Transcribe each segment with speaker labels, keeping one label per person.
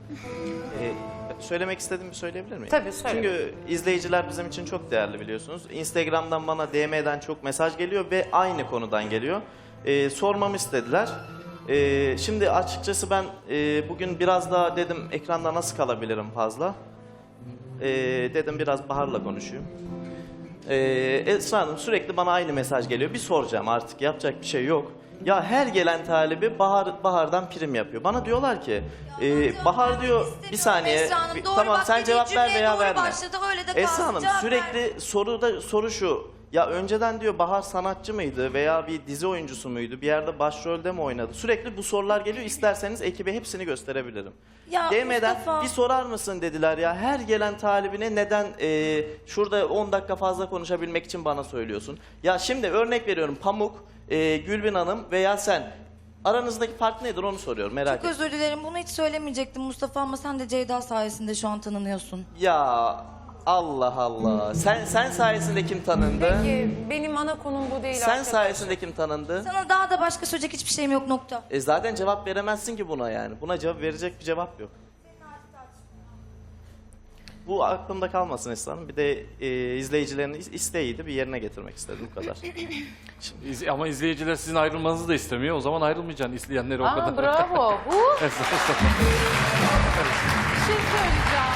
Speaker 1: Söylemek istediğimi söyleyebilir miyim?
Speaker 2: Tabii, söyle.
Speaker 1: Çünkü izleyiciler bizim için çok değerli biliyorsunuz. Instagram'dan bana DM'den çok mesaj geliyor ve aynı konudan geliyor. Sormamı istediler. Şimdi açıkçası ben bugün biraz daha dedim ekranda nasıl kalabilirim fazla. Dedim biraz Bahar'la konuşayım. Esra Hanım sürekli bana aynı mesaj geliyor. Bir soracağım artık yapacak bir şey yok. Ya her gelen talibi Bahar'dan prim yapıyor. Bana diyorlar ki Bahar diyor bir saniye
Speaker 3: Esra Hanım, doğru
Speaker 1: tamam
Speaker 3: bak,
Speaker 1: sen
Speaker 3: dediği
Speaker 1: cevap ver
Speaker 3: cümleye
Speaker 1: veya
Speaker 3: doğru
Speaker 1: verme.
Speaker 3: başladı, öyle de kalsın,
Speaker 1: Esra Hanım
Speaker 3: cevap
Speaker 1: sürekli soru şu. Ya önceden diyor Bahar sanatçı mıydı veya bir dizi oyuncusu muydu? Bir yerde başrolde mi oynadı? Sürekli bu sorular geliyor. İsterseniz ekibe hepsini gösterebilirim.
Speaker 3: Ya
Speaker 1: DM'den
Speaker 3: Mustafa.
Speaker 1: bir sorar mısın dediler ya. Her gelen talibine neden şurada 10 dakika fazla konuşabilmek için bana söylüyorsun? Ya şimdi örnek veriyorum Pamuk, Gülbin Hanım veya sen. Aranızdaki fark nedir onu soruyorum merak
Speaker 3: Çok
Speaker 1: ettim.
Speaker 3: özür dilerim, bunu hiç söylemeyecektim Mustafa ama sen de Ceyda sayesinde şu an tanınıyorsun.
Speaker 1: Ya Allah Allah. Sen sayesinde kim tanındı?
Speaker 2: Peki benim ana konum bu değil
Speaker 1: Sen
Speaker 2: arkadaşlar.
Speaker 1: sayesinde kim tanındı?
Speaker 3: Sana daha da başka söyleyecek hiçbir şeyim yok, nokta.
Speaker 1: Zaten cevap veremezsin ki buna yani. Buna cevap verecek bir cevap yok. Bu aklımda kalmasın Esra Hanım. Bir de izleyicilerin isteğiydi. Bir yerine getirmek istedim bu kadar.
Speaker 4: Ama izleyiciler sizin ayrılmanızı da istemiyor. O zaman ayrılmayacaksın izleyenleri o
Speaker 2: Aa,
Speaker 4: kadar.
Speaker 2: bravo.
Speaker 5: Bir şey söyleyeceğim.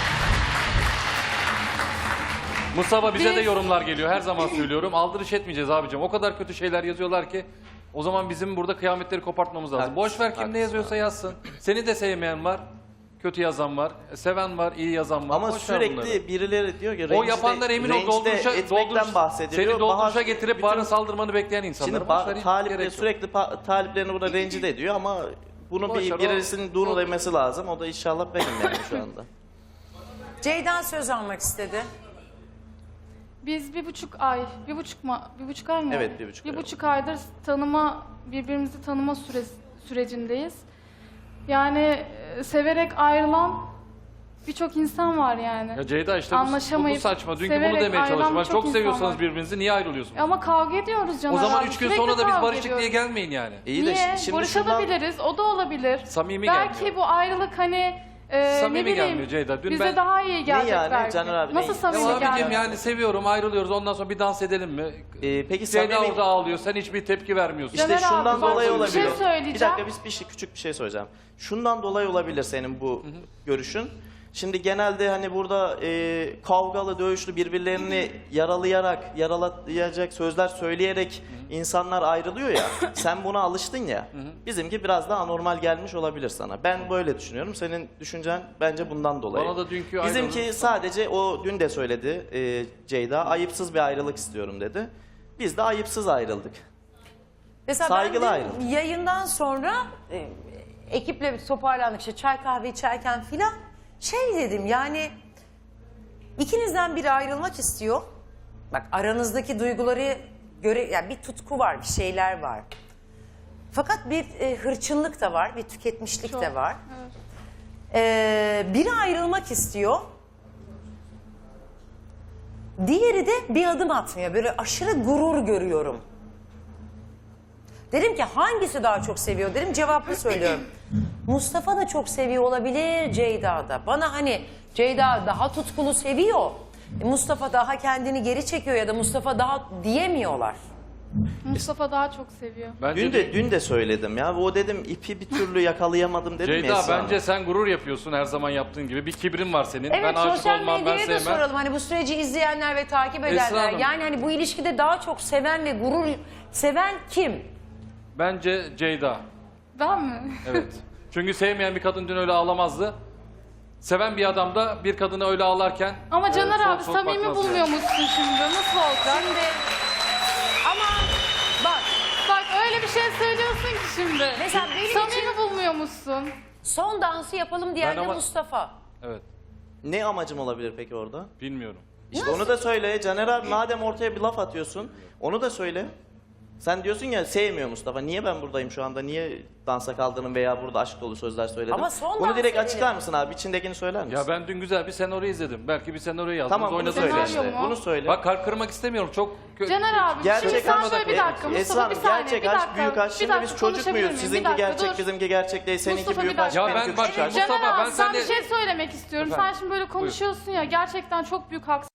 Speaker 4: Mustafa bize de
Speaker 5: Biz-
Speaker 4: yorumlar geliyor. Her zaman söylüyorum. Aldırış etmeyeceğiz abicim. O kadar kötü şeyler yazıyorlar ki. O zaman bizim burada kıyametleri kopartmamız lazım.
Speaker 1: Haklısın,
Speaker 4: Boş ver kim ne
Speaker 1: haklısın
Speaker 4: yazıyorsa yazsın. Seni de sevmeyen var. Kötü yazan var. Seven var, iyi yazan var.
Speaker 1: Ama
Speaker 4: Boş ver bunları.
Speaker 1: sürekli birileri diyor ki
Speaker 4: O yapanlar emin ol
Speaker 1: etmekten bahsediliyor.
Speaker 4: Seni dolduruşa
Speaker 1: Bahar-
Speaker 4: getirip Bahar'ın saldırmanı bekleyen insanlar.
Speaker 1: Şimdi
Speaker 4: Boş ver, hiç
Speaker 1: talipleri
Speaker 4: gerek yok.
Speaker 1: sürekli taliplerini burada rencide ediyor ama bunu
Speaker 4: Boş ver,
Speaker 1: birisinin dunu demesi lazım. O da inşallah benim yani şu anda.
Speaker 2: Ceyda söz almak istedi.
Speaker 5: Biz bir buçuk ay mı?
Speaker 1: Evet, 1,5 ay
Speaker 5: Bir
Speaker 1: oldu.
Speaker 5: buçuk aydır birbirimizi tanıma sürecindeyiz. Yani severek ayrılan birçok insan var yani.
Speaker 4: Ya Ceyda işte bu
Speaker 5: Anlaşamayıp,
Speaker 4: saçma. Dünkü
Speaker 5: severek
Speaker 4: bunu demeye
Speaker 5: ayrılan
Speaker 4: çalıştım. Ben
Speaker 5: birçok
Speaker 4: çok
Speaker 5: insan
Speaker 4: seviyorsanız
Speaker 5: var.
Speaker 4: birbirinizi niye ayrılıyorsunuz?
Speaker 5: Ama kavga ediyoruz Caner
Speaker 4: O zaman
Speaker 5: abi.
Speaker 4: 3 gün
Speaker 5: Sürekli
Speaker 4: sonra da biz
Speaker 5: kavga
Speaker 4: barıştık
Speaker 5: ediyoruz.
Speaker 4: diye gelmeyin yani.
Speaker 1: İyi de
Speaker 5: Niye?
Speaker 1: şimdi şundan...
Speaker 5: Barışabiliriz. O da olabilir.
Speaker 4: Samimi
Speaker 5: belki
Speaker 4: gelmiyor.
Speaker 5: bu ayrılık hani
Speaker 4: Samimi
Speaker 5: ne bileyim
Speaker 4: gelmiyor Ceyda. Dün
Speaker 5: bize
Speaker 4: ben-
Speaker 5: daha iyi gelecek
Speaker 1: yani
Speaker 5: belki.
Speaker 1: Caner abi,
Speaker 5: Nasıl
Speaker 1: ne?
Speaker 5: samimi
Speaker 4: Ya abicim
Speaker 5: gelmiyor?
Speaker 4: yani seviyorum ayrılıyoruz ondan sonra bir dans edelim mi?
Speaker 1: Peki
Speaker 4: Ceyda
Speaker 1: samimi...
Speaker 4: orada ağlıyor sen hiçbir tepki vermiyorsun.
Speaker 1: İşte
Speaker 5: Caner abi,
Speaker 1: şundan
Speaker 5: bak,
Speaker 1: dolayı
Speaker 5: bir
Speaker 1: olabilir.
Speaker 5: şey söyleyeceğim.
Speaker 1: Bir dakika küçük bir şey söyleyeceğim. Şundan dolayı olabilir senin bu görüşün. Şimdi genelde hani burada kavgalı, dövüşlü birbirlerini yaralayacak sözler söyleyerek insanlar ayrılıyor ya. Sen buna alıştın ya. Bizimki biraz daha anormal gelmiş olabilir sana. Ben böyle düşünüyorum. Senin düşüncen bence bundan dolayı.
Speaker 4: Bana da dünkü
Speaker 1: Bizimki
Speaker 4: ayrılık-
Speaker 1: sadece o dün de söyledi Ceyda. Ayıpsız bir ayrılık istiyorum dedi. Biz de ayıpsız ayrıldık.
Speaker 2: Mesela
Speaker 1: Saygılı
Speaker 2: ben
Speaker 1: ayrılın.
Speaker 2: dün yayından sonra ekiple bir toparlandık işte çay kahve içerken filan şey dedim yani ikinizden biri ayrılmak istiyor. Bak aranızdaki duyguları yani bir tutku var, bir şeyler var. Fakat bir hırçınlık da var, bir tüketmişlik de var. Biri ayrılmak istiyor. Diğeri de bir adım atmıyor. Böyle aşırı gurur görüyorum. Dedim ki hangisi daha çok seviyor dedim cevaplı söylüyorum. Mustafa da çok seviyor olabilir Ceyda da. Bana hani Ceyda daha tutkulu seviyor. Mustafa daha kendini geri çekiyor ya da Mustafa daha diyemiyorlar.
Speaker 5: Mustafa daha çok seviyor.
Speaker 4: Bence
Speaker 1: Dün de söyledim ya. O dedim ipi bir türlü yakalayamadım dedim ya
Speaker 4: Ceyda
Speaker 1: Esra Hanım.
Speaker 4: bence sen gurur yapıyorsun her zaman yaptığın gibi. Bir kibrin var senin.
Speaker 2: Evet
Speaker 4: ben aşık
Speaker 2: sosyal
Speaker 4: olmam, ben
Speaker 2: medyaya da
Speaker 4: sevmem.
Speaker 2: soralım. Hani bu süreci izleyenler ve takip
Speaker 4: Esra
Speaker 2: edenler.
Speaker 4: Hanım.
Speaker 2: Yani hani bu ilişkide daha çok seven ve gurur seven kim?
Speaker 4: Bence Ceyda.
Speaker 5: Ben mi?
Speaker 4: Evet. Çünkü sevmeyen bir kadın dün öyle ağlamazdı. Seven bir adam da bir kadını öyle ağlarken...
Speaker 5: Ama Caner
Speaker 4: soğuk
Speaker 5: abi
Speaker 4: soğuk
Speaker 5: samimi
Speaker 4: bakmaz
Speaker 5: bulmuyor
Speaker 4: yani.
Speaker 5: musun şimdi? Nasıl olacak?
Speaker 2: Şimdi ama bak
Speaker 5: Bak öyle bir şey söylüyorsun ki şimdi.
Speaker 2: Mesela benim
Speaker 5: samimi
Speaker 2: için-
Speaker 5: bulmuyor musun?
Speaker 2: son dansı yapalım diyen
Speaker 4: Ben
Speaker 2: de
Speaker 4: ama-
Speaker 2: Mustafa.
Speaker 4: Evet.
Speaker 1: Ne amacım olabilir peki orada?
Speaker 4: Bilmiyorum.
Speaker 1: İşte onu da söyle. Caner abi madem ortaya bir laf atıyorsun onu da söyle. Sen diyorsun ya sevmiyor Mustafa. Niye ben buradayım şu anda? Niye dansa kaldırdım veya burada aşk dolu sözler söyledim?
Speaker 2: Ama son
Speaker 1: Bunu
Speaker 2: dans
Speaker 1: direkt
Speaker 2: edelim.
Speaker 1: açıklar mısın abi? İçindekini söyler misin?
Speaker 4: Ya ben dün güzel bir senaryo izledim. Belki bir senaryo yazdınız,
Speaker 1: Tamam bunu
Speaker 4: oynadınız.
Speaker 1: söyle
Speaker 5: Senaryo
Speaker 1: işte.
Speaker 5: mu?
Speaker 1: Bunu söyle.
Speaker 4: Bak kalp kırmak istemiyorum. Çok
Speaker 5: Caner abi
Speaker 1: Gerçek
Speaker 5: şimdi sen
Speaker 1: aşk-
Speaker 5: şöyle bir dakika
Speaker 1: Esra
Speaker 5: Mustafa
Speaker 1: Hanım,
Speaker 5: bir saniye
Speaker 1: gerçek
Speaker 5: bir
Speaker 1: aşk,
Speaker 5: dakika.
Speaker 1: büyük aşk.
Speaker 5: bir
Speaker 1: Şimdi
Speaker 5: dakika,
Speaker 1: biz çocuk
Speaker 5: konuşabilir
Speaker 1: muyuz?
Speaker 5: miyim?
Speaker 1: Sizinki
Speaker 5: Bir dakika,
Speaker 1: gerçek,
Speaker 5: dur.
Speaker 1: bizimki gerçek değil. Seninki
Speaker 5: Mustafa,
Speaker 1: büyük
Speaker 5: bir
Speaker 1: aşk,
Speaker 5: dakika.
Speaker 4: Ya
Speaker 1: benimki
Speaker 4: ben
Speaker 1: küçük aşk.
Speaker 4: Mustafa,
Speaker 5: Caner
Speaker 4: ben
Speaker 5: abi sen
Speaker 4: sende-
Speaker 5: bir şey söylemek istiyorum.
Speaker 4: Efendim?
Speaker 5: Sen şimdi böyle konuşuyorsun ya gerçekten çok büyük haksızlık.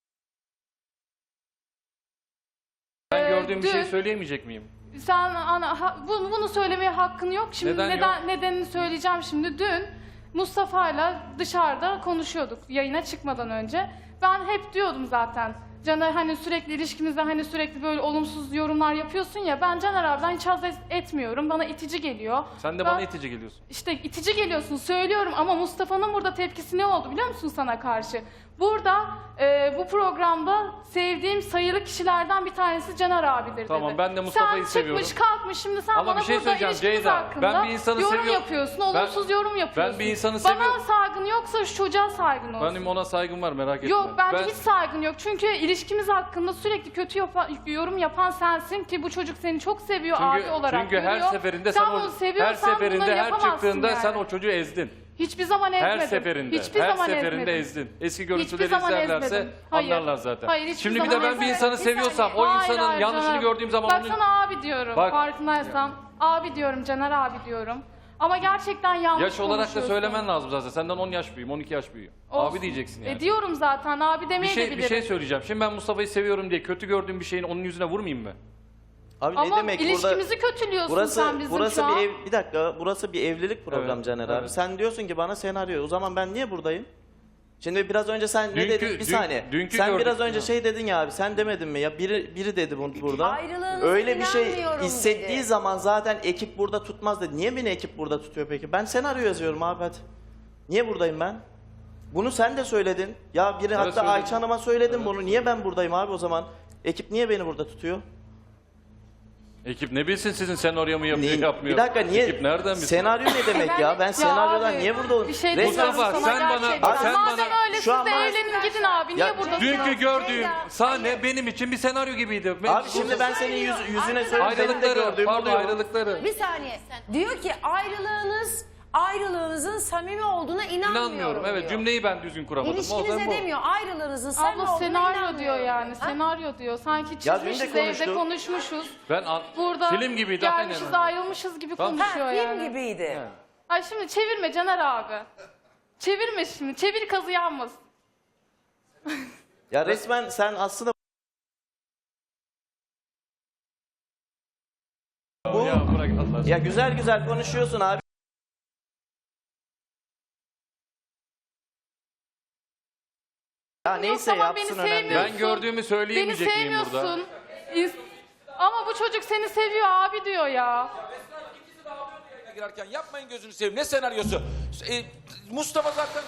Speaker 4: Ben gördüğüm bir şey
Speaker 5: dün-
Speaker 4: söyleyemeyecek miyim?
Speaker 5: Sen bunu söylemeye hakkın yok. Şimdi
Speaker 4: Neden yok?
Speaker 5: nedenini söyleyeceğim şimdi. Dün Mustafa'yla dışarıda konuşuyorduk yayına çıkmadan önce. Ben hep diyordum zaten. Caner hani sürekli ilişkimizde hani sürekli böyle olumsuz yorumlar yapıyorsun ya. Ben Caner abiden hiç haz etmiyorum. Bana itici geliyor.
Speaker 4: Sen de
Speaker 5: Ben-
Speaker 4: bana itici geliyorsun.
Speaker 5: İşte itici geliyorsun söylüyorum ama Mustafa'nın burada tepkisi ne oldu biliyor musun sana karşı? Burada bu programda sevdiğim sayılı kişilerden bir tanesi Caner abidir
Speaker 4: Tamam,
Speaker 5: dedi.
Speaker 4: ben de Mustafa'yı
Speaker 5: sen
Speaker 4: seviyorum.
Speaker 5: çıkmış kalkmış şimdi sen
Speaker 4: Ama
Speaker 5: bana
Speaker 4: bir şey
Speaker 5: burada
Speaker 4: söyleyeceğim
Speaker 5: ilişkimiz
Speaker 4: Ceyda.
Speaker 5: hakkında
Speaker 4: Ben bir insanı
Speaker 5: yorum
Speaker 4: seviyorum.
Speaker 5: yapıyorsun, olumsuz yorum yapıyorsun.
Speaker 4: bir insanı
Speaker 5: Bana
Speaker 4: seviyorum.
Speaker 5: saygın yoksa şu çocuğa saygın olsun.
Speaker 4: Benim ona saygım var, merak etme.
Speaker 5: Yok bence
Speaker 4: Ben-
Speaker 5: hiç saygın yok. Çünkü ilişkimiz hakkında sürekli kötü yorum yapan sensin ki bu çocuk seni çok seviyor abi olarak
Speaker 4: çünkü her
Speaker 5: görüyor.
Speaker 4: seferinde
Speaker 5: sen
Speaker 4: sen
Speaker 5: bunu
Speaker 4: her
Speaker 5: seviyorsan
Speaker 4: seferinde
Speaker 5: bunları
Speaker 4: her
Speaker 5: yapamazsın
Speaker 4: çıktığında
Speaker 5: yani.
Speaker 4: sen o çocuğu ezdin.
Speaker 5: Hiçbir zaman ezmedim.
Speaker 4: Her seferinde.
Speaker 5: Hiçbir
Speaker 4: her
Speaker 5: zaman
Speaker 4: seferinde
Speaker 5: ezmedim.
Speaker 4: ezdin. Eski
Speaker 5: Hiçbir
Speaker 4: görüntüleri
Speaker 5: zaman
Speaker 4: izlerlerse
Speaker 5: ezmedim. Hayır.
Speaker 4: anlarlar zaten.
Speaker 5: Hayır, hiçbir
Speaker 4: Şimdi bir
Speaker 5: zaman
Speaker 4: de ben bir
Speaker 5: ezmedim.
Speaker 4: insanı
Speaker 2: Bir
Speaker 4: seviyorsam
Speaker 2: saniye.
Speaker 4: o
Speaker 5: Hayır,
Speaker 4: insanın
Speaker 5: hayır
Speaker 4: yanlışını
Speaker 5: canım.
Speaker 4: gördüğüm zaman
Speaker 5: Bak
Speaker 4: onu...
Speaker 5: sana abi diyorum.
Speaker 4: Bak.
Speaker 5: Farkındaysan. Abi diyorum, Caner abi diyorum. Ama gerçekten yanlış
Speaker 4: Yaş olarak da
Speaker 5: konuşuyorsun.
Speaker 4: söylemen lazım zaten. Senden 10 yaş büyüğüm, 12 yaş büyüğüm.
Speaker 5: Olsun.
Speaker 4: Abi diyeceksin yani.
Speaker 5: Diyorum zaten abi
Speaker 4: bir
Speaker 5: demeye de
Speaker 4: şey,
Speaker 5: bilirim.
Speaker 4: bir şey söyleyeceğim. Şimdi ben Mustafa'yı seviyorum diye kötü gördüğüm bir şeyin onun yüzüne vurmayayım mı?
Speaker 1: Abi
Speaker 5: Ama
Speaker 1: ne demek burada?
Speaker 5: ilişkimizi kötülüyorsun sen bizim
Speaker 1: Burası
Speaker 5: şu an.
Speaker 1: bir ev, bir dakika. Burası bir evlilik programı
Speaker 4: Evet,
Speaker 1: Caner abi.
Speaker 4: evet.
Speaker 1: Sen diyorsun ki bana senaryo. O zaman ben niye buradayım? Şimdi biraz önce sen ne
Speaker 4: Dünkü-
Speaker 1: dedin? Bir saniye.
Speaker 4: dünkü
Speaker 1: Sen
Speaker 4: gördük.
Speaker 1: biraz önce
Speaker 4: Ha.
Speaker 1: şey dedin ya abi. Sen demedin mi ya? Biri dedi burada.
Speaker 2: Ayrılığınıza
Speaker 1: Öyle bir şey
Speaker 2: inanmıyorum
Speaker 1: hissettiği
Speaker 2: dedi.
Speaker 1: zaman zaten ekip burada tutmaz dedi. Niye beni ekip burada tutuyor peki? Ben senaryo yazıyorum abi hadi. Niye buradayım ben? Bunu sen de söyledin. Ya biri hatta
Speaker 4: söyledim.
Speaker 1: Ayça Hanım'a söyledim bunu. Niye ben buradayım abi o zaman? Ekip niye beni burada tutuyor?
Speaker 4: Ekip ne bilsin sizin senaryo mu yapıyor,
Speaker 1: Niye-
Speaker 4: yapmıyor?
Speaker 1: Bir dakika niye?
Speaker 4: Ekip nereden bilsin?
Speaker 1: Senaryo ne demek ya? Ben senaryodan
Speaker 5: abi,
Speaker 1: niye burada olayım?
Speaker 5: Bir şey
Speaker 1: Resmen-
Speaker 5: demiyorum
Speaker 4: Mustafa,
Speaker 5: sana
Speaker 4: sen bana-
Speaker 5: gerçekten.
Speaker 4: sen
Speaker 5: Madem
Speaker 4: bana-
Speaker 5: öyle
Speaker 1: Şu
Speaker 5: siz
Speaker 1: an
Speaker 5: de
Speaker 1: bana-
Speaker 5: evlenin gidin abi. Niye
Speaker 1: Ya,
Speaker 5: buradasınız?
Speaker 4: Dünkü gördüğüm
Speaker 2: Ceyda,
Speaker 4: sahne benim için bir senaryo gibiydi.
Speaker 1: Abi şimdi ben senin yüzüne söyledim. Benim de
Speaker 4: ayrılıkları,
Speaker 1: gördüğüm
Speaker 4: pardon
Speaker 1: oluyor.
Speaker 4: ayrılıkları.
Speaker 2: Bir saniye. Diyor ki ayrılığınızın samimi olduğuna inanmıyorum.
Speaker 4: İnanmıyorum. Evet
Speaker 2: diyor.
Speaker 4: cümleyi ben düzgün kuramadım. O
Speaker 2: İlişkinize
Speaker 4: zaman bu.
Speaker 2: demiyor. Ayrılığınızın samimi
Speaker 5: Abla
Speaker 2: olduğuna
Speaker 5: senaryo
Speaker 2: inanmıyorum.
Speaker 5: diyor yani.
Speaker 2: Ha?
Speaker 5: Senaryo diyor. Sanki
Speaker 1: Ya dün de
Speaker 5: çizmişiz evde
Speaker 1: konuştuk.
Speaker 5: konuşmuşuz.
Speaker 4: Ben
Speaker 5: Burada
Speaker 4: film gibiydi aynen.
Speaker 5: gelmişiz ayrılmışız gibi
Speaker 4: Tamam.
Speaker 5: konuşuyor
Speaker 2: Ha,
Speaker 5: yani.
Speaker 2: film gibiydi.
Speaker 5: Ay şimdi çevirme Caner abi. Çevirme şimdi. Çevir kazı yanmasın.
Speaker 1: Ya resmen sen aslında bu
Speaker 4: Ya bırak Allah aşkına.
Speaker 1: ya güzel güzel konuşuyorsun abi. Ya neyse
Speaker 5: tamam,
Speaker 1: yapsın
Speaker 5: beni
Speaker 1: önemli.
Speaker 5: sevmiyorsun.
Speaker 4: Ben gördüğümü
Speaker 5: Beni
Speaker 4: söyleyemeyecek miyim burada?
Speaker 5: sevmiyorsun. Ama bu çocuk seni seviyor abi diyor ya.
Speaker 6: girerken yapmayın gözünü seveyim. Ne senaryosu? Mustafa zaten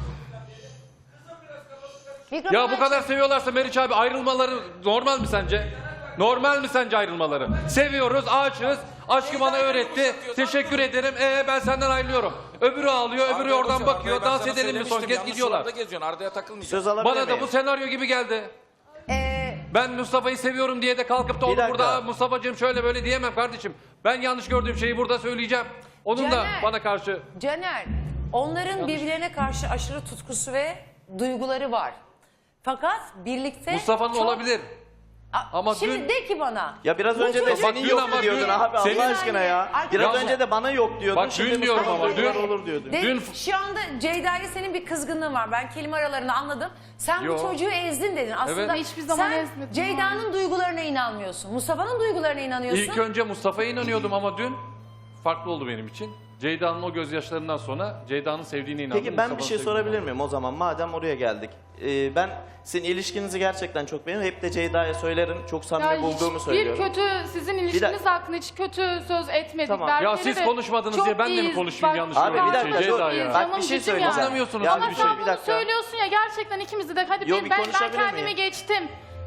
Speaker 2: Mikrofonu
Speaker 4: Ya bu kadar seviyorlarsa Meriç abi ayrılmaları normal mi sence? Normal mi sence ayrılmaları? Seviyoruz, aşığız. Aşkı bana öğretti. Teşekkür ederim. Ben senden ayrılıyorum. Öbürü ağlıyor, öbürü oradan bakıyor. Dans edelim mi son kez gidiyorlar.
Speaker 6: geziyorsun. Arda'ya takılmayacaksın.
Speaker 1: Söz alabilir
Speaker 4: Bana da
Speaker 1: miyim?
Speaker 4: bu senaryo gibi geldi.
Speaker 2: Ee,
Speaker 4: Ben Mustafa'yı seviyorum diye de kalkıp da
Speaker 1: Bir
Speaker 4: onu
Speaker 1: dakika.
Speaker 4: burada Mustafa'cığım şöyle böyle diyemem kardeşim. Ben yanlış gördüğüm şeyi burada söyleyeceğim. Onun da
Speaker 2: Caner.
Speaker 4: bana karşı
Speaker 2: Caner, onların birbirlerine karşı aşırı tutkusu ve duyguları var. Fakat birlikte
Speaker 4: Mustafa'nın
Speaker 2: çok-
Speaker 4: olabilir. Ama
Speaker 2: Şimdi
Speaker 4: dün-
Speaker 2: de ki bana.
Speaker 1: Ya biraz
Speaker 2: bu
Speaker 1: önce de
Speaker 2: çocuk-
Speaker 1: senin
Speaker 4: dün
Speaker 1: yok
Speaker 4: ama
Speaker 1: diyordun
Speaker 4: dün-
Speaker 1: abi
Speaker 4: senin-
Speaker 1: Allah aşkına ya.
Speaker 2: Arkadaşlar-
Speaker 1: Biraz önce de bana yok diyordun.
Speaker 4: Bak dün
Speaker 1: Şimdi
Speaker 4: diyorum
Speaker 1: Mustafa
Speaker 4: ama,
Speaker 1: duygular
Speaker 4: dün-
Speaker 1: olur diyordun.
Speaker 2: De,
Speaker 4: Dün-
Speaker 2: şu anda Ceyda'ya senin bir kızgınlığın var. Ben kelime aralarını anladım. Sen
Speaker 4: Yo.
Speaker 2: bu çocuğu ezdin dedin. Aslında
Speaker 4: Evet.
Speaker 5: Hiçbir zaman
Speaker 2: sen
Speaker 5: ezmedim
Speaker 2: Ceyda'nın duygularına inanmıyorsun. Mustafa'nın duygularına inanıyorsun.
Speaker 4: İlk önce Mustafa'ya inanıyordum ama dün farklı oldu benim için. Ceyda'nın o gözyaşlarından sonra Ceyda'nın sevdiğine inandım.
Speaker 1: Peki ben bir
Speaker 4: Mustafa'nın
Speaker 1: şey
Speaker 4: sevdiğine
Speaker 1: sorabilir miyim o zaman madem oraya geldik? Ben sizin ilişkinizi gerçekten çok beğeniyorum. Hep de Ceyda'ya söylerim. Çok samimi bulduğumu
Speaker 5: hiçbir
Speaker 1: söylüyorum.
Speaker 5: kötü sizin ilişkiniz hakkında hiç kötü söz etmedik.
Speaker 1: Tamam.
Speaker 5: Berber'i
Speaker 4: Ya siz
Speaker 5: de
Speaker 4: konuşmadınız
Speaker 5: çok
Speaker 4: diye ben de mi
Speaker 5: iyiyiz.
Speaker 4: konuşayım
Speaker 5: Bak,
Speaker 4: yanlış
Speaker 1: Abi bir
Speaker 4: gördüğüm
Speaker 1: dakika
Speaker 4: şeyi?
Speaker 1: dur.
Speaker 4: Ceyda ya.
Speaker 1: Bak
Speaker 5: Canım
Speaker 1: bir şey
Speaker 5: cicim
Speaker 1: söyleyeceğim.
Speaker 5: yani.
Speaker 4: Anlamıyorsunuz
Speaker 1: Ya
Speaker 5: Ama
Speaker 4: bir
Speaker 5: sen
Speaker 4: şey.
Speaker 1: bir
Speaker 5: bunu
Speaker 1: dakika.
Speaker 5: söylüyorsun ya gerçekten ikimizi de hadi
Speaker 1: Yo,
Speaker 5: ben
Speaker 1: bir
Speaker 5: ben
Speaker 1: konuşabilir
Speaker 5: kendimi
Speaker 1: miyim?
Speaker 5: geçtim.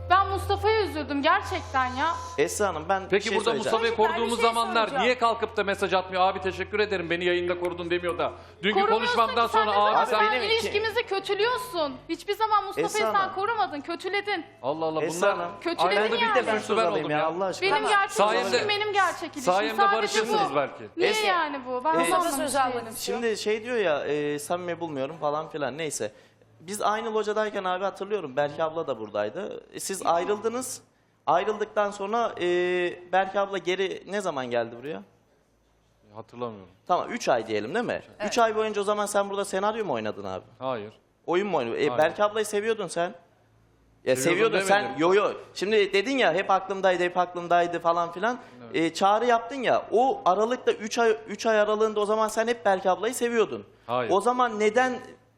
Speaker 5: Ben Mustafa'ya üzüldüm gerçekten ya.
Speaker 1: Esra Hanım ben bir
Speaker 4: Peki
Speaker 1: şey
Speaker 4: burada
Speaker 1: söyleyeceğim.
Speaker 4: Mustafa'yı
Speaker 2: Çocuklar, bir
Speaker 4: koruduğumuz
Speaker 2: şey
Speaker 4: zamanlar
Speaker 2: soracağım.
Speaker 4: niye kalkıp da mesaj atmıyor? Abi teşekkür ederim beni yayında korudun demiyor da. Dünkü
Speaker 5: Korumuyorsun
Speaker 4: konuşmamdan
Speaker 5: ki, sen
Speaker 4: sonra
Speaker 5: ne zaman
Speaker 4: abi sen...
Speaker 1: benim iki-
Speaker 5: ilişkimizi kötülüyorsun. Hiçbir zaman Mustafa'yı
Speaker 1: Esra
Speaker 5: sen
Speaker 1: Hanım.
Speaker 5: korumadın, kötüledin.
Speaker 4: Allah Allah
Speaker 1: Esra
Speaker 4: bunlar
Speaker 1: Hanım.
Speaker 5: Kötüledin
Speaker 4: aynı anda
Speaker 5: yani.
Speaker 4: bir de suçlu ben
Speaker 1: alayım
Speaker 4: oldum ya.
Speaker 1: Allah aşkına.
Speaker 5: Benim gerçek
Speaker 4: Sayemde-
Speaker 5: ilişkim benim gerçek ilişkim.
Speaker 4: sayemde
Speaker 5: Sadece
Speaker 4: barışırsınız
Speaker 5: bu.
Speaker 4: belki.
Speaker 5: Niye
Speaker 1: Esra-
Speaker 5: yani bu? Ben
Speaker 2: Mustafa
Speaker 5: anlamamış
Speaker 2: söz almak
Speaker 5: değilim.
Speaker 2: istiyor.
Speaker 1: Şimdi şey diyor ya samimi bulmuyorum falan filan neyse. Biz aynı locadayken abi hatırlıyorum Berke abla da buradaydı. Siz ayrıldınız. Ayrıldıktan sonra Berke abla geri ne zaman geldi buraya?
Speaker 4: Hatırlamıyorum.
Speaker 1: Tamam 3 ay diyelim değil mi? 3 ay boyunca o zaman sen burada senaryo mu oynadın abi?
Speaker 4: Hayır.
Speaker 1: Oyun mu oynadın?
Speaker 4: Hayır.
Speaker 1: Berke ablayı seviyordun sen. Ya
Speaker 4: Seviyordum
Speaker 1: seviyordun sen.
Speaker 4: demedim.
Speaker 1: Yo. Şimdi dedin ya hep aklımdaydı falan filan. Çağrı yaptın ya. O aralıkta 3 ay aralığında o zaman sen hep Berke ablayı seviyordun.
Speaker 4: Hayır.
Speaker 1: O zaman neden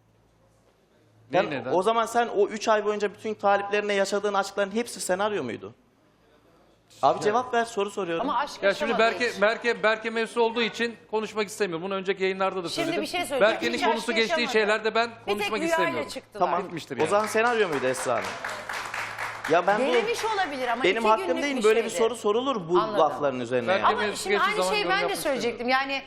Speaker 4: Neyi neden?
Speaker 1: o zaman sen o 3 ay boyunca bütün taliplerine yaşadığın aşkların hepsi senaryo muydu? Abi cevap ver soru soruyorum.
Speaker 2: Ama aşk
Speaker 4: Ya şimdi
Speaker 2: yaşamadığı için.
Speaker 4: Berke mevzusu olduğu için konuşmak istemiyorum. Bunu önceki yayınlarda da
Speaker 2: Şimdi
Speaker 4: söyledim.
Speaker 2: bir şey söyleyeceğim.
Speaker 4: Berke'nin
Speaker 2: Hiç
Speaker 4: konusu
Speaker 2: aşk
Speaker 4: geçtiği
Speaker 2: yaşamadı.
Speaker 4: şeylerde ben
Speaker 2: Bir tek
Speaker 4: konuşmak
Speaker 2: rüyayla
Speaker 4: istemiyorum.
Speaker 2: çıktılar.
Speaker 1: Tamam.
Speaker 4: Bitmiştir
Speaker 1: O
Speaker 4: yani.
Speaker 1: zaman senaryo muydu Esra Hanım? Ya ben bu
Speaker 2: Denemiş olabilir ama
Speaker 1: benim
Speaker 2: 2
Speaker 1: hakkım
Speaker 2: günlük
Speaker 1: değil
Speaker 2: bir
Speaker 1: böyle bir
Speaker 2: şeydi.
Speaker 1: soru sorulur bu
Speaker 2: Anladım.
Speaker 1: lafların üzerine.
Speaker 4: Ben-
Speaker 1: yani.
Speaker 2: Ama
Speaker 4: Mevzusu
Speaker 2: şimdi
Speaker 4: geçtiği
Speaker 2: aynı
Speaker 4: zaman
Speaker 2: şeyi
Speaker 4: yorum
Speaker 2: ben de
Speaker 4: yapmak
Speaker 2: söyleyecektim. Yani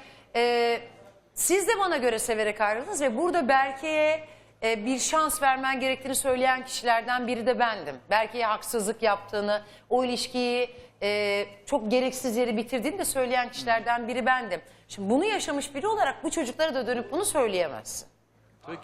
Speaker 2: siz de bana göre severek ayrıldınız ve burada Berke'ye bir şans vermen gerektiğini söyleyen kişilerden biri de bendim. Berke'ye haksızlık yaptığını, o ilişkiyi çok gereksiz yere bitirdiğini de söyleyen kişilerden biri bendim. Şimdi bunu yaşamış biri olarak bu çocuklara da dönüp bunu söyleyemezsin.
Speaker 4: Peki.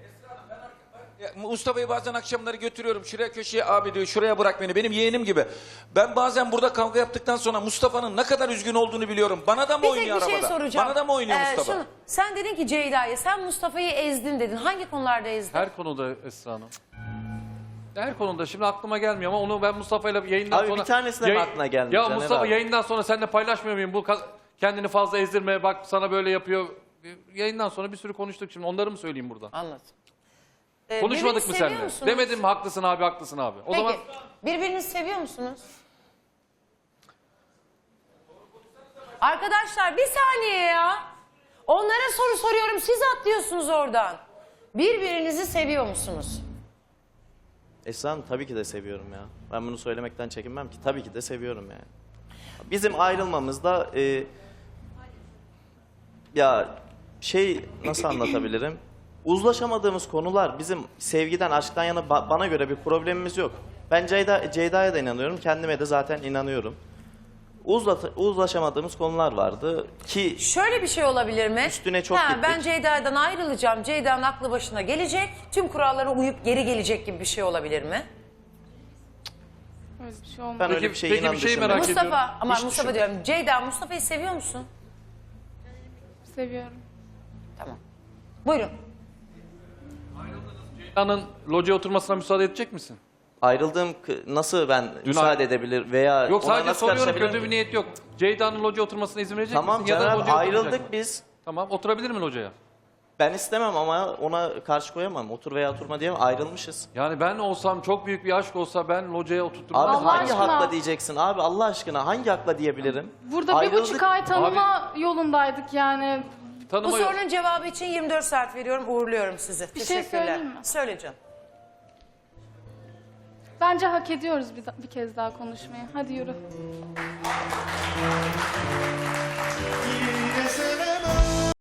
Speaker 6: Ya, Mustafa'yı bazen akşamları götürüyorum şuraya köşeye, abi diyor şuraya bırak beni, benim yeğenim gibi. Ben bazen burada kavga yaptıktan sonra Mustafa'nın ne kadar üzgün olduğunu biliyorum. Bana da mı
Speaker 2: Bir tek
Speaker 6: oynuyor
Speaker 2: bir şey
Speaker 6: arabada?
Speaker 2: soracağım.
Speaker 6: Bana da mı oynuyor Mustafa?
Speaker 2: şunu, sen dedin ki Ceyda'ya sen Mustafa'yı ezdin dedin. Hangi konularda ezdin?
Speaker 4: Her konuda Esra Hanım. Her konuda şimdi aklıma gelmiyor ama onu ben Mustafa'yla yayından
Speaker 1: Abi
Speaker 4: sonra...
Speaker 1: bir tanesine mi aklına gelmeyecek,
Speaker 4: Ya
Speaker 1: Caner
Speaker 4: Mustafa
Speaker 1: abi?
Speaker 4: yayından sonra seninle paylaşmıyor muyum? Bu kendini fazla ezdirme, bak sana böyle yapıyor. Yayından sonra bir sürü konuştuk şimdi onları mı söyleyeyim burada?
Speaker 2: Anlat.
Speaker 4: Konuşmadık
Speaker 2: Birbirinizi
Speaker 4: mı
Speaker 2: seviyor
Speaker 4: seninle?
Speaker 2: musunuz?
Speaker 4: Demedim mi haklısın abi haklısın abi. O
Speaker 2: Peki
Speaker 4: zaman
Speaker 2: birbirinizi seviyor musunuz? Arkadaşlar bir saniye ya. Onlara soru soruyorum siz atlıyorsunuz oradan. Birbirinizi seviyor musunuz?
Speaker 1: Esra Hanım tabii ki de seviyorum ya. Ben bunu söylemekten çekinmem ki. Tabii ki de seviyorum yani. Bizim ayrılmamızda ya şey nasıl anlatabilirim? Uzlaşamadığımız konular bizim sevgiden, aşktan yana bana göre bir problemimiz yok. Ben Ceyda'ya da inanıyorum. Kendime de zaten inanıyorum. Uzlaşamadığımız konular vardı ki
Speaker 2: Şöyle bir şey olabilir mi?
Speaker 1: Üstüne çok
Speaker 2: Ben
Speaker 1: gittik.
Speaker 2: Ceyda'dan ayrılacağım. Ceyda'nın aklı başına gelecek. Tüm kurallara uyup geri gelecek gibi bir şey olabilir mi?
Speaker 5: Öyle bir şey olmadı.
Speaker 1: ben
Speaker 4: Peki-
Speaker 1: öyle bir şey
Speaker 4: peki
Speaker 1: inan
Speaker 4: bir şeyi
Speaker 1: düşünmüyorum.
Speaker 4: merak ediyorum.
Speaker 2: Mustafa ama
Speaker 1: Hiç
Speaker 2: Mustafa
Speaker 1: düşün-
Speaker 2: diyorum. Ceyda Mustafa'yı seviyor musun?
Speaker 5: Seviyorum.
Speaker 2: Tamam. Buyurun.
Speaker 4: Ceyda'nın locaya oturmasına müsaade edecek misin?
Speaker 1: Ayrıldığım nasıl ben müsaade edebilir veya
Speaker 4: Yok
Speaker 1: ona
Speaker 4: sadece
Speaker 1: nasıl
Speaker 4: soruyorum
Speaker 1: karışabilirim
Speaker 4: kötü
Speaker 1: ki?
Speaker 4: bir niyet yok. Ceyda'nın locaya oturmasına izin verecek
Speaker 1: Tamam
Speaker 4: misin? Ya da
Speaker 1: Caner
Speaker 4: locaya oturmayacak
Speaker 1: ayrıldık
Speaker 4: mı?
Speaker 1: biz.
Speaker 4: Tamam oturabilir mi locaya?
Speaker 1: Ben istemem ama ona karşı koyamam. Otur veya oturma diyemem. Ayrılmışız.
Speaker 4: Yani ben olsam çok büyük bir aşk olsa ben locaya oturtturmam.
Speaker 1: Abi
Speaker 5: Allah
Speaker 1: hangi
Speaker 5: aşkına.
Speaker 1: hakla diyeceksin? Abi Allah aşkına hangi hakla diyebilirim?
Speaker 5: Burada
Speaker 1: Ayrıldık.
Speaker 5: 1,5 ay tanıma yolundaydık yani.
Speaker 2: Bu
Speaker 4: Tanıma
Speaker 2: sorunun cevabı için 24 saat veriyorum. Uğurluyorum sizi.
Speaker 5: Bir şey
Speaker 2: Teşekkürler.
Speaker 5: söyleyeyim mi?
Speaker 2: Söyle canım.
Speaker 5: Bence hak ediyoruz bir kez daha konuşmayı. Hadi yürü.